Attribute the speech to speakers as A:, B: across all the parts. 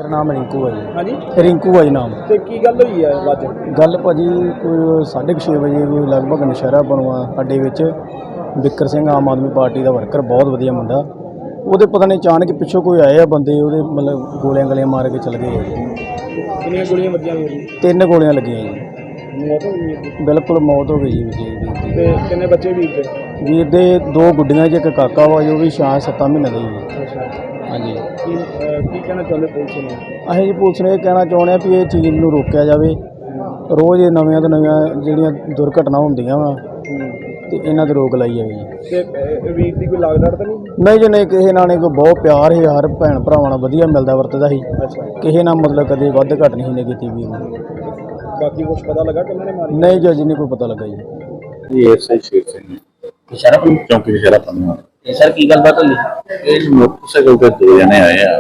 A: मेरा नाम रिंकू है जी।
B: हाँ जी।
A: रिंकू है जी नाम।
B: ਤੇ ਕੀ ਗੱਲ ਹੋਈ ਹੈ ਅੱਜ?
A: गल भाजी कोई 6:30 बजे कोई लगभग नशहरा बनवा अड्डे विच बिक्कर सिंह आम आदमी पार्टी का वर्कर बहुत वधिया मुंडा ਉਹਦੇ पता नहीं अचानक पिछों कोई आए आ बंदे ਉਹਦੇ मतलब गोलियां गलियां मार के चल गए जी।
B: ਕਿੰਨੀਆਂ ਗੋਲੀਆਂ ਵੱਜੀਆਂ ਵੀਰ?
A: 3 गोलियां लगियां जी।
B: ਮੌਤ ਹੋ ਗਈ ਹੈ?
A: बिल्कुल मौत हो गई जी ਵੀਰ ਦੀ।
B: ਤੇ ਕਿੰਨੇ ਬੱਚੇ ਵੀਰ ਦੇ?
A: ਵੀਰ ਦੇ 2 ਗੁੱਡੀਆਂ 'ਚ ਇੱਕ ਕਾਕਾ ਵਾ ਜੋ ਵੀ 6-7 ਮਹੀਨੇ ਦਾ ਜੀ।
B: ਅੱਛਾ।
A: ਹਾਂਜੀ।
B: ਕੀ ਕਹਿਣਾ ਚਾਹੁੰਦੇ ਪੁਲਿਸ ਨੂੰ?
A: ਅਸੀਂ ਜੀ ਪੁਲਿਸ ਨੂੰ ਇਹ ਕਹਿਣਾ ਚਾਹੁੰਦੇ ਹਾਂ ਵੀ ਇਹ ਚੀਜ਼ ਨੂੰ ਰੋਕਿਆ ਜਾਵੇ। ਰੋਜ਼ ਇਹ ਨਵੀਆਂ ਤੋਂ ਨਵੀਆਂ ਜਿਹੜੀਆਂ ਦੁਰਘਟਨਾ ਹੁੰਦੀਆਂ ਵਾ ਤੇ ਇਹਨਾਂ 'ਤੇ ਰੋਕ ਲਾਈ ਜਾਵੇ ਜੀ।
B: ਤੇ ਵੀਰ ਦੀ ਕੋਈ ਲਾਗ ਡਰ ਤਾਂ ਨਹੀਂ?
A: ਨਹੀਂ ਜੀ ਨਹੀਂ, ਕਿਸੇ ਨਾਲ ਨਹੀਂ, ਕੋਈ ਬਹੁਤ ਪਿਆਰ ਸੀ, ਹਰ ਭੈਣ ਭਰਾਵਾਂ ਨਾਲ ਵਧੀਆ ਮਿਲਦਾ ਵਰਤਦਾ ਸੀ।
B: ਅੱਛਾ।
A: ਕਿਸੇ ਨਾਲ ਮਤਲਬ ਕਦੇ ਵੱਧ ਘੱਟ ਨਹੀਂ ਨੇ ਕੀਤੀ ਵੀਰ ਨੇ।
B: ਬਾਕੀ ਕੁਝ ਪਤਾ ਲੱਗਾ ਕਿੰਨਾਂ ਨੇ ਮਾਰੀ?
A: ਨਹੀਂ ਜੀ, ਅਜੇ ਨਹੀਂ ਕੋਈ ਪਤਾ ਲੱਗਾ ਜੀ।
C: ਇਹ ਐਸਆਈ ਸ਼ੇਰ ਸਿੰਘ
D: ਇਸ਼ਾਰਾ ਪਈ
C: ਚੌਂਕੀ ਇਸ਼ਾਰਾ ਪੰਨਾ।
D: ਇਹ ਸਰ ਕੀ ਗੱਲਬਾਤ ਹੋਈ?
C: ਇਹ ਮੋਟਰਸਾਈਕਲ ਤੇ 2 ਜਣੇ ਆਏ ਆ।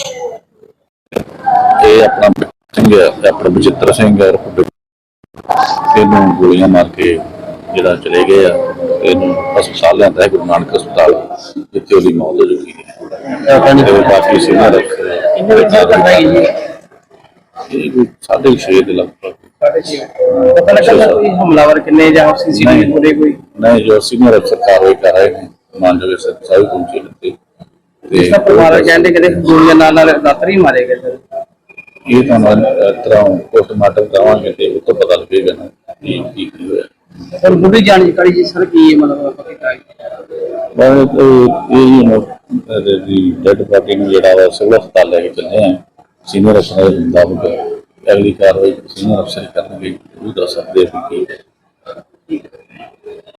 C: ਇਹ ਆਪਣਾ ਸਿੰਘ ਹੈ, ਆਪਣਾ ਬਚਿੱਤਰ ਸਿੰਘ ਹੈ, ਇਹਨੂੰ ਗੋਲੀਆਂ ਮਾਰ ਕੇ ਜਿਹੜਾ ਚਲੇ ਗਏ ਆ। ਇਹਨੂੰ ਹਸਪਤਾਲ ਲਿਆਂਦਾ ਹੈ, ਗੁਰੂ ਨਾਨਕ ਹਸਪਤਾਲ, ਜਿੱਥੇ ਉਹਦੀ ਮੌਤ ਹੋ ਚੁੱਕੀ ਹੈ। ਤੇ ਬਾਕੀ ਸੀਨੀਅਰ
D: ਕਿੰਨੇ ਵਜੇ ਕਰਦਾ ਹੈ ਜੀ?
C: ਇਹ ਕੋਈ 6:30 ਦੇ ਲਗਭਗ।
D: ਪਤਾ ਲੱਗਾ ਕੋਈ ਹਮਲਾਵਰ ਕਿੰਨੇ ਜਾਂ ਸੀਸੀਟੀਵੀ ਪੂਰੇ ਕੋਈ?
C: ਨਹੀਂ, ਜੋ ਸੀਨੀਅਰ ਅਫਸਰ ਕਾਰਵਾਈ ਕਰ ਰਹੇ ਨੇ, ਮਾਨਯੋਗ ਸਾਹਿਬ ਪਹੁੰਚੇ ਨੇ
D: ਇਸ ਦਾ ਪਰਿਵਾਰ ਕਹਿੰਦੇ ਕਿ ਗੋਲੀਆਂ ਨਾਲ ਦਾਤਰ ਹੀ ਮਾਰੇ ਗਏ ਸਰ।
C: ਇਹ ਤੁਹਾਨੂੰ ਤਰ੍ਹਾਂ ਪੋਸਟਮਾਰਟਮ ਕਰਾਵਾਂਗੇ ਤੇ ਉਹ ਤੋਂ ਪਤਾ ਲੱਗੇਗਾ ਨਾ ਕੀ ਹੋਇਆ।
D: ਪਰ ਬੁੱਢੀ ਜਾਣਕਾਰੀ ਜੀ ਸਰ ਕੀ ਮਤਲਬ ਪਤਾ ਹੈ?
C: ਇਹ ਡੈਡ ਬਾਡੀ ਨੂੰ ਜਿਹੜਾ ਵਾ ਸਿਵਲ ਹਸਪਤਾਲ ਲੈ ਕੇ ਚੱਲੇ ਆ। ਸੀਨੀਅਰ ਅਫਸਰ ਦੇ ਮੁਤਾਬਕ ਅਗਲੀ ਕਾਰਵਾਈ ਸੀਨੀਅਰ ਅਫਸਰ ਕਰਨਗੇ, ਉਹ ਦੱਸ ਸਕਦੇ ਆ ਕਿ